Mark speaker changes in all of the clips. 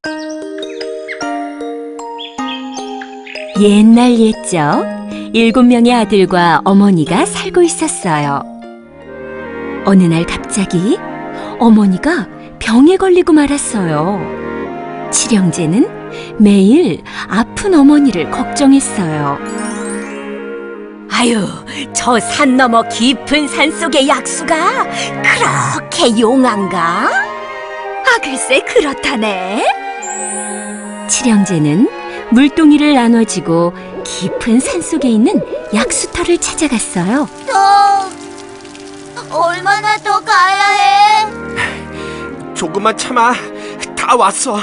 Speaker 1: 옛날 옛적 7명의 아들과 어머니가 살고 있었어요. 어느 날 갑자기 어머니가 병에 걸리고 말았어요. 칠형제는 매일 아픈 어머니를 걱정했어요. 아유, 저 산 너머 깊은 산속의 약수가 그렇게 용한가? 아, 글쎄 그렇다네. 칠형제는 물동이를 나눠지고 깊은 산속에 있는 약수터를 찾아갔어요.
Speaker 2: 얼마나 더 가야 해?
Speaker 3: 조금만 참아. 다 왔어.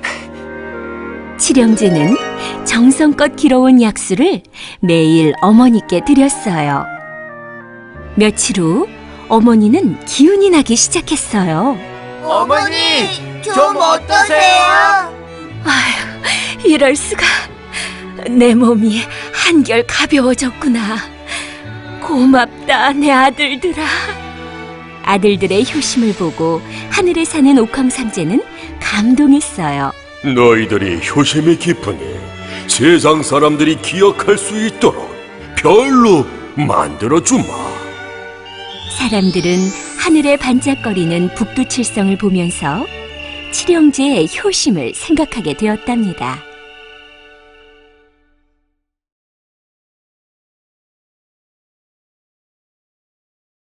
Speaker 1: 칠형제는 정성껏 길어온 약수를 매일 어머니께 드렸어요. 며칠 후 어머니는 기운이 나기 시작했어요.
Speaker 3: 어머니, 좀 어떠세요?
Speaker 1: 아휴, 이럴 수가. 내 몸이 한결 가벼워졌구나. 고맙다, 내 아들들아. 아들들의 효심을 보고 하늘에 사는 옥황삼재는 감동했어요.
Speaker 4: 너희들이 효심이 깊으니 세상 사람들이 기억할 수 있도록 별로 만들어주마.
Speaker 1: 사람들은 하늘에 반짝거리는 북두칠성을 보면서 칠형제의 효심을 생각하게 되었답니다.